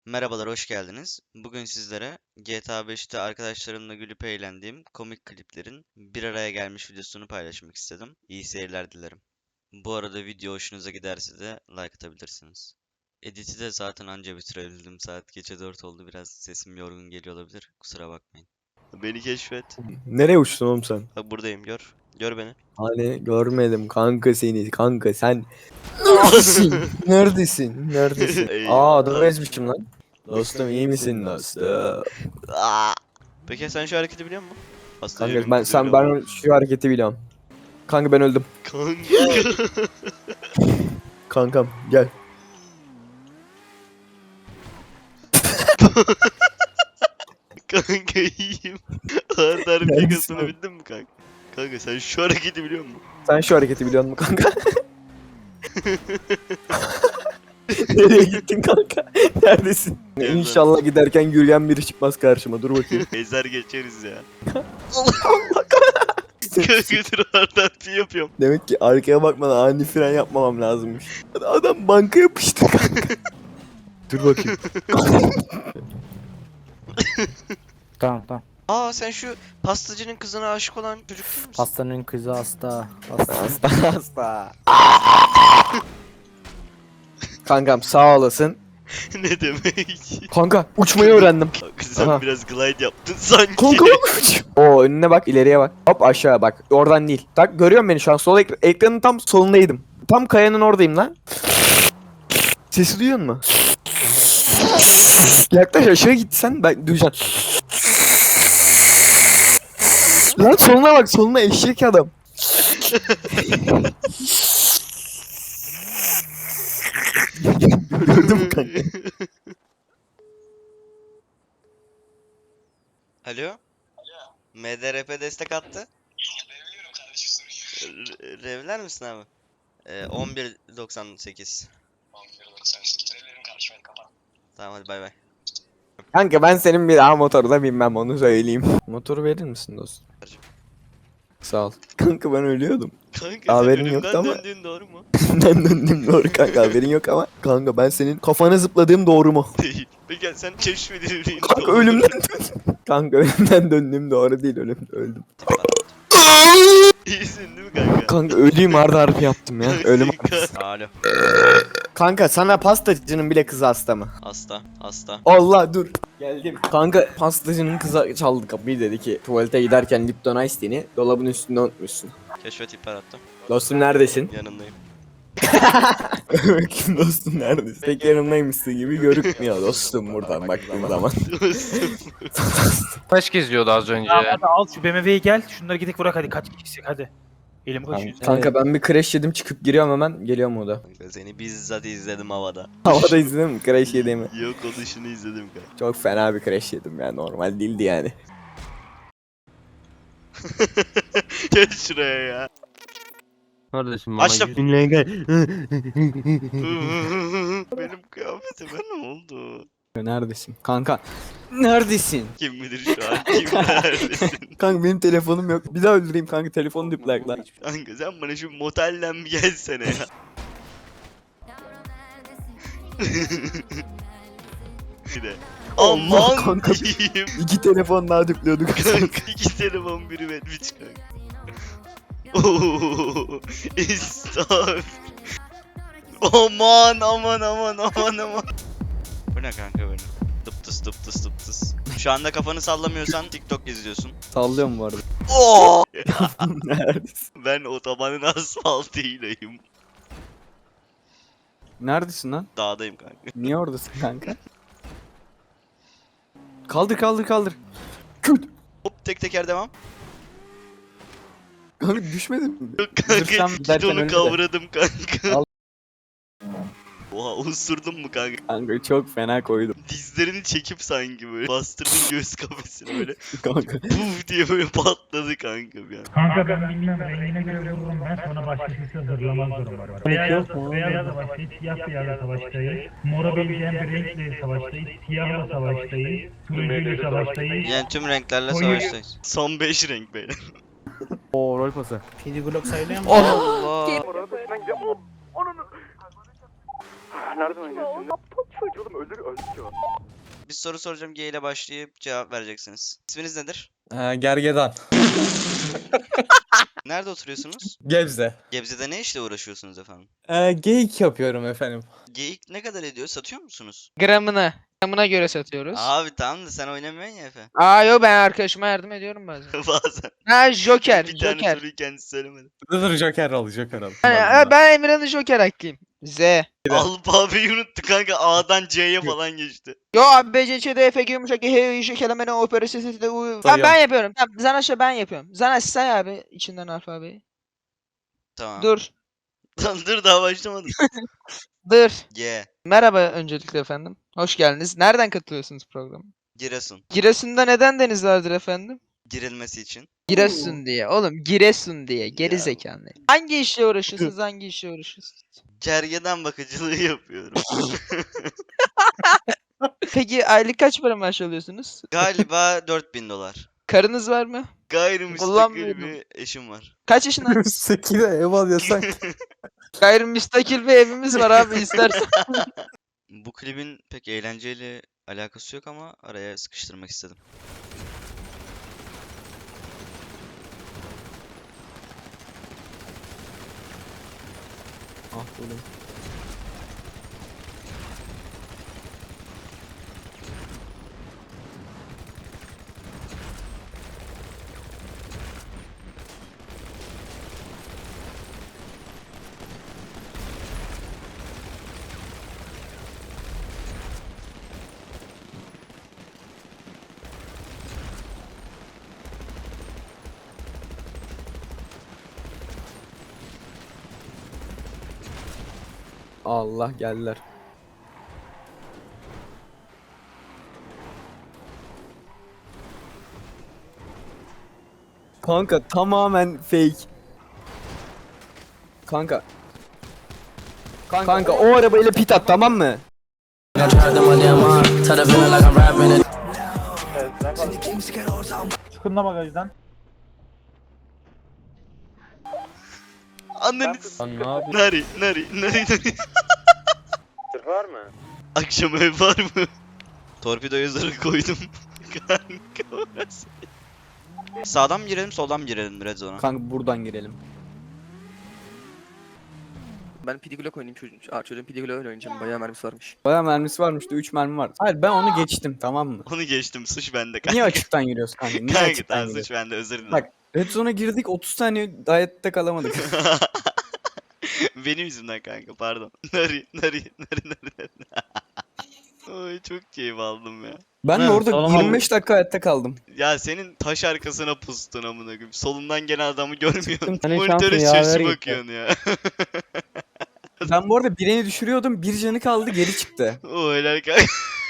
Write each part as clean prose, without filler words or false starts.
Merhabalar, hoş geldiniz. Bugün sizlere GTA 5'te arkadaşlarımla gülüp eğlendiğim komik kliplerin bir araya gelmiş videosunu paylaşmak istedim. İyi seyirler dilerim. Bu arada video hoşunuza giderse de like atabilirsiniz. Edit'i de zaten anca bitirebildim. Saat gece 4 oldu. Biraz sesim yorgun geliyor olabilir. Kusura bakmayın. Beni keşfet. Nereye uçtun oğlum sen? Bak buradayım, gör. Gör beni. Hani görmedim kanka seni. Kanka sen neredesin? Neredesin? Neredesin? Aa adamı Eyvallah. ezmişim lan. Dostum iyi misin dostum? Aa! Peki sen şu hareketi biliyor musun? Aslında Kanka yönüm ben güzel sen ama. ben şu hareketi biliyorum. Kanka ben öldüm. Kanka. Kankam gel. Kanka iyiyim. Ağır darbe Neredesin yakasını oğlum? bildin mi kanka? Kanka sen şu hareketi biliyor musun? Sen şu hareketi biliyor musun kanka? Nereye gittin kanka? Neredesin? Gel İnşallah giderken yürüyen biri çıkmaz karşıma. Dur bakayım. Ezer geçeriz ya. Kanka dur ağır darbe yapıyorum. Demek ki arkaya bakmadan ani fren yapmamam lazımmış. Adam banka yapıştı kanka. Dur bakayım. Tamam. Aa sen şu pastacının kızına aşık olan çocuk değil misin? Hastanın kızı hasta. Hasta. Kankam sağ olasın. Ne demek? Kanka uçmayı öğrendim. Kanka sen Aha. biraz glide yaptın sanki. Kanka uç. Oo önüne bak ileriye bak. Hop aşağı bak. Oradan değil. Tak görüyor musun beni şu an? Sol ekranın tam solundaydım. Tam kayanın oradayım lan. Sesi duyuyor musun? Yaklaş aşağı git sen ben duyacaksın. Lan soluna bak soluna eşek adam. Gördün mü kanka? Alo? MDRP destek attı. Revler misin abi? 11.98. Tamam hadi bay bay. Kanka ben senin bir daha motoruna binmem onu söyleyeyim. Motoru verir misin dostum? Sağ ol. Kanka ben ölüyordum. Kanka Haberin sen yoktu ölümden ama- döndüğün doğru mu? Ben döndüm doğru kanka haberin yok ama. Kanka ben senin kafana zıpladığım doğru mu? Değil. Peki sen keşfedildiğin Kanka doğru. ölümden döndüm. Kanka ölümden döndüğüm doğru değil öldüm. İyisin değil mi kanka? Kanka öleyim ardı harfi yaptım ya. Ölüm. Alo. Kanka sana pastacının bile kızı hasta mı? Hasta. Allah dur. Geldim. Kanka pastacının kızı çaldı kapıyı dedi ki tuvalete giderken Lipton Ice Tea'ni dolabın üstünde unutmuşsun. Keşfet ihbar attım. Dostum neredesin? Yanındayım. Bakayım dostum neredesin? Pek yanımdaymışsın gibi görükmüyor dostum buradan baktığım zaman. Taş geziyordu az önce. Tamam hadi al şu BMW'yi gel. Şunları gidip bırak hadi kaç kişisek hadi. Elim koşuyor. Kanka ben bir crash yedim çıkıp giriyorum hemen geliyorum o da. Kanka seni bizzat izledim havada. Havada izledin mi crash yediğimi? Yok o dışını izledim kanka. Çok fena bir crash yedim ya normal değildi yani. Gel şuraya ya. Kardeşim bana Açtım. 100 bin lira gel. Benim kıyafetime ne oldu? Neredesin? Kanka neredesin? Kim bilir şu an kim neredesin? Kanka benim telefonum yok. Bir daha öldüreyim kanka telefonu dipler lan. Kanka sen bana şu motelden bir gelsene ya. Bir de. Allah Aman kanka. diyeyim. İki telefon daha dipliyorduk. Kanka iki telefon biri Medviç kanka. Ooo. Estağfurullah. Aman. Bu ne kanka böyle? Tıp tıs. Şu anda kafanı sallamıyorsan TikTok izliyorsun. Sallıyorum bu arada. Oo! Neredesin? Ben otobanın asfaltıylayım. Neredesin lan? Dağdayım kanka. Niye oradasın kanka? Kaldır. Küt. Hop tek teker devam. Kanka düşmedin mi? Yok kanka Zırsam giderken gidonu öyle de. kavradım kanka. Al. Oha osurdun mu kanka? Kanka çok fena koydum. Dizlerini çekip sanki böyle bastırdın göğüs kafesine böyle Kanka. puf diye böyle patladı kanka bir an. Kanka ben bilmem rengine göre vururum ben sonra başkası hazırlamaz durum var. Beyazla savaştayız, siyahla savaştayız. Mora benzeyen bir renkle savaştayız, siyahla savaştayız, turuncuyla savaştayız. Yani tüm renklerle Oy. savaştayız. Son 5 renk beyler. Oo rol pası. Kedi Glock sayılıyor mu? Allah. Nereden oynayacağız şimdi? Çocuğum öldü ki o. Bir soru soracağım, G ile başlayıp cevap vereceksiniz. İsminiz nedir? Gergedan. Nerede oturuyorsunuz? Gebze. Gebze'de ne işle uğraşıyorsunuz efendim? Geyik yapıyorum efendim. Geyik ne kadar ediyor? Satıyor musunuz? Gramına göre satıyoruz. Abi tamam da sen oynamıyorsun ya Efe. Yo, ben arkadaşıma yardım ediyorum bazen. Bazen. Ha, Joker, Bir tane Joker. soruyu kendisi söylemedi. Dur Joker al Joker al. Ben Emirhan'ın Joker haklıyım. Z. Alfabeyi unuttu kanka. A'dan C'ye falan geçti. Yo abi, B, C, Ç, D, F, G, yumuşak, H, I, J, kelime, opera, S, S, T, U. Tamam, ben yapıyorum. Tamam, Zanaş'a ben yapıyorum. Zanaş say abi içinden alfabeyi. Tamam. Dur. Lan dur, daha başlamadım. Dur. G. Merhaba öncelikle efendim. Hoş geldiniz. Nereden katılıyorsunuz programa? Giresun. Giresun'da neden deniz vardır efendim? Girilmesi için. Giresun diye. Oğlum Giresun diye. Geri Ya. zekalı. Hangi işle uğraşıyorsunuz? Hangi işle uğraşıyorsunuz? Gergedan bakıcılığı yapıyorum. Peki aylık kaç para maaş alıyorsunuz? Galiba 4000 dolar. Karınız var mı? Gayrimüstakil Kullanmıyorum. bir eşim var. Kaç yaşında? Sekide ev alıyorsan. Gayrimüstakil bir evimiz var abi, istersen. Bu klibin pek eğlenceyle alakası yok ama araya sıkıştırmak istedim. Ah oğlum. Allah geldiler. Kanka tamamen fake. Kanka. Kanka o arabayla pit at, tamam mı? Çıkın da bagajdan. Anneniz. Lan ne yapıyorsun? Nari. Var mı? Akşam ev var mı? Torpido yazarı koydum. Kanka orası. Sağdan mı girelim, soldan mı girelim Red Zone'a? Kanka buradan girelim. Ben Pidiglock oynayayım çocuğun Pidiglock öyle oynayacağım. Bayağı mermisi varmış. Bayağı mermisi varmış da 3 mermi var. Hayır, ben onu geçtim, tamam mı? Onu geçtim, suç bende kanka. Niye açıktan giriyorsun kanka? Niye Kanka açıktan tamam, giriyorsun? suç bende, özür dilerim. Bak, Red Zone'a girdik, 30 saniye hayatta kalamadık. Benim yüzümden kanka, pardon. Nari. Oy, çok keyif aldım ya. Ben de Ha, orada tamam. 25 dakika hayatta kaldım. Ya senin taş arkasına pustun amına koyayım. Solundan gelen adamı görmüyorsun. Senin Monitöre şansın yaver şaşı gitti. bakıyorsun ya. Ben bu arada birini düşürüyordum, bir canı kaldı, geri çıktı. O helal kanka.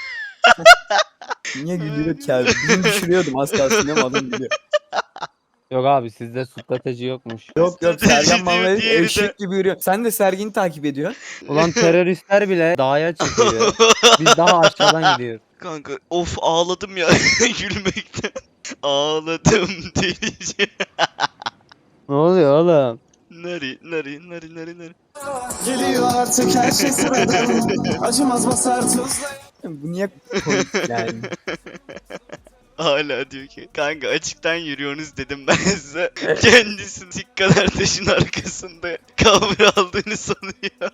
Niye gülüyor ki abi? Birini düşürüyordum, az kalsın ama adam gülüyor. Yok abi sizde strateji yokmuş. Yok Strateji Sergen diyor, bana diğeri de- eşek gibi yürüyor. Sen de Sergen'i takip ediyorsun. Ulan teröristler bile dağa çıkıyor. Biz daha aşağıdan gidiyoruz. Kanka of, ağladım ya gülmekten. Ağladım delice. Ne oluyor oğlum? Nari. Geliyor artık her şey sıradan. Acımaz basar tuzla. Bu niye komik yani? Hala diyor ki kanka açıktan yürüyorsunuz dedim ben size. Kendisi dik kadar taşın arkasında kavra aldığını sanıyor.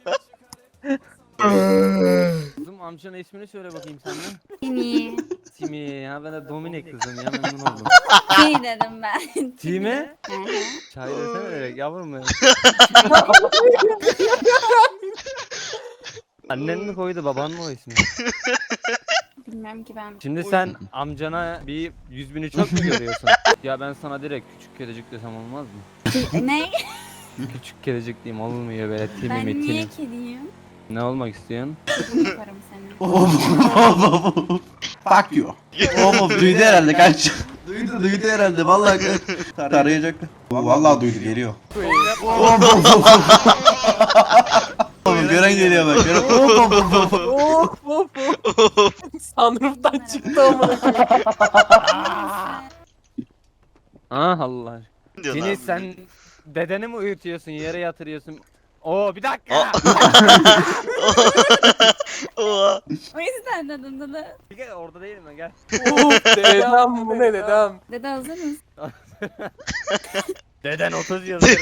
Kızım amcanın ismini söyle bakayım sen de. Timi. Timi ya ben de Dominik kızım ya memnun oldum. Timi dedim ben. Timi? Hı hı. Çay desene direkt yavrum ya. Annen mi koydu baban mı o ismi? Bilmem ki ben. Şimdi sen amcana bir 100.000'i çok mu görüyorsun? Ya ben sana direkt küçük kedicik desem olmaz mı? Ne? Küçük kedicik diyeyim olmuyor böyle timi Ben mi niye timi. kediyim? Ne olmak istiyorsun? Bunu yaparım seni. Fuck you. Oğlum duydu herhalde kaç. Duydu herhalde vallahi tarayacak. Vallahi duydu geliyor. Oğlum gören geliyor bak. Sunroof'tan çıktı ama. Ah Allah. Diyor lan Seni bu. sen dedeni mi uyutuyorsun yere yatırıyorsun? Oo bir dakika. Oha. O yüzden dedim dede. Gel orada değilim ben gel. Dedem bu ne dedem? Dede hazır mısın? Deden 30 yazarım.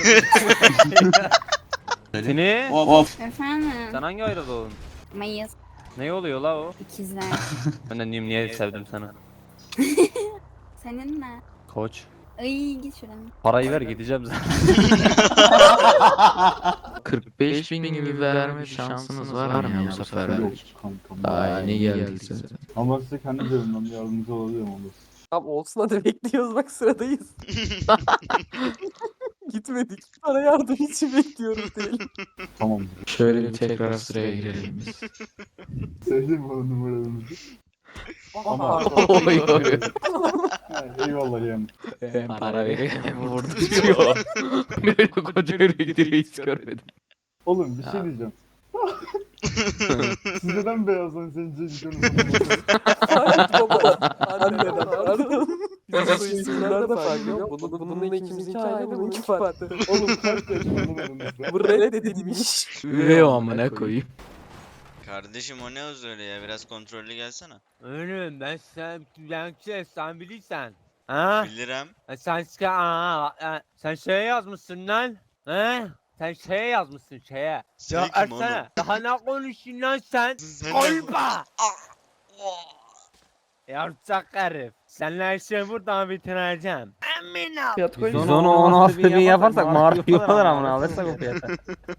Seni? Of. Efendim? Sen hangi ayda doğdun? Mayıs. Ne oluyor la o? İkizler. Ben de diyeyim niye sevdim sana. Senin ne? Koç. Ay git şuradan. Parayı ver gideceğim zaten. 45.000 gibi verme şansınız var mı ya bu sefer? Daha yeni geldiyse. Ama size kendi cebimden yardımcı olabilirim olur. Tamam olsun hadi bekliyoruz bak sıradayız. Gitmedik. Sana yardım için bekliyoruz değil. Tamam. Şöyle bir tekrar sıraya girelim biz. Sevdim bu numaranızı. Ama Eyvallah yani. Hem para veriyor hem vurduruyor. Böyle koca yürekleri hiç görmedim. Oğlum bir şey diyeceğim. Siz neden beyazdan sence gidiyorsunuz? baba. Anneden pardon. Bizim bu isimler de farklı. Bunun ikimizinki aynı bununki farklı. Oğlum kaç yaş oğlum aranızda? Bu reddedilmiş. Üvey o amına koyayım. Kardeşim o ne öz öyle ya? Biraz kontrollü gelsene. Oğlum sen bilirsen. Ha? Bilirim. Sen şeye yazmışsın lan. He? Sen şeye yazmışsın şeye. Sen Ya kim oğlum? Ersene. Daha ne konuşuyorsun lan sen? Sen Kolpa! Yarçak herif. Seninle her şeyi buradan bitireceğim. Emin ol. Biz onu 16 bin yaparsak marif yaparlar amına alırsak o fiyata.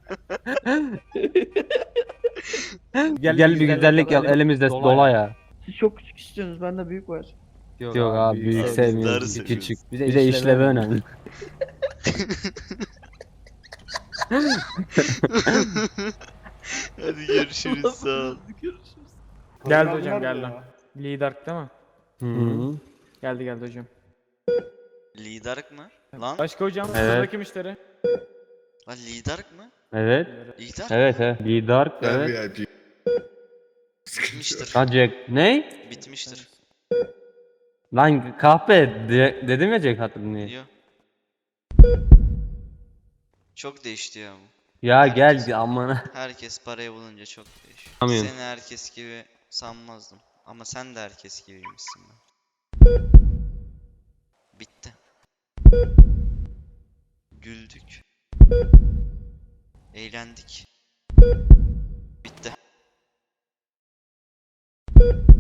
Gel bir güzellik yap elimizde dola ya. Siz çok küçük istiyorsunuz. Bende büyük var. Yok abi büyük Darı sevmiyoruz seviyoruz. küçük. Bize işlevi önemli. Hadi görüşürüz sağ ol. Geldi hocam geldi. Lider değil mi? Hı. Geldi hocam. Lidark mı? Lan? Başka hocam Evet. sıradaki müşteri. Lan lidark mı? Evet. Lidark Evet evet. Lider evet. bitmiştir. Ha Jack. Ne? Bitmiştir. Lan kahpe dedim ya Jack hatırlıyor. Yo. Çok değişti ya bu. Ya gel amına. Herkes parayı bulunca çok değişiyor. Anlıyorum. Seni herkes gibi sanmazdım. Ama sen de herkes gibiymişsin ben. Bitti. Güldük. Eğlendik. Bitti.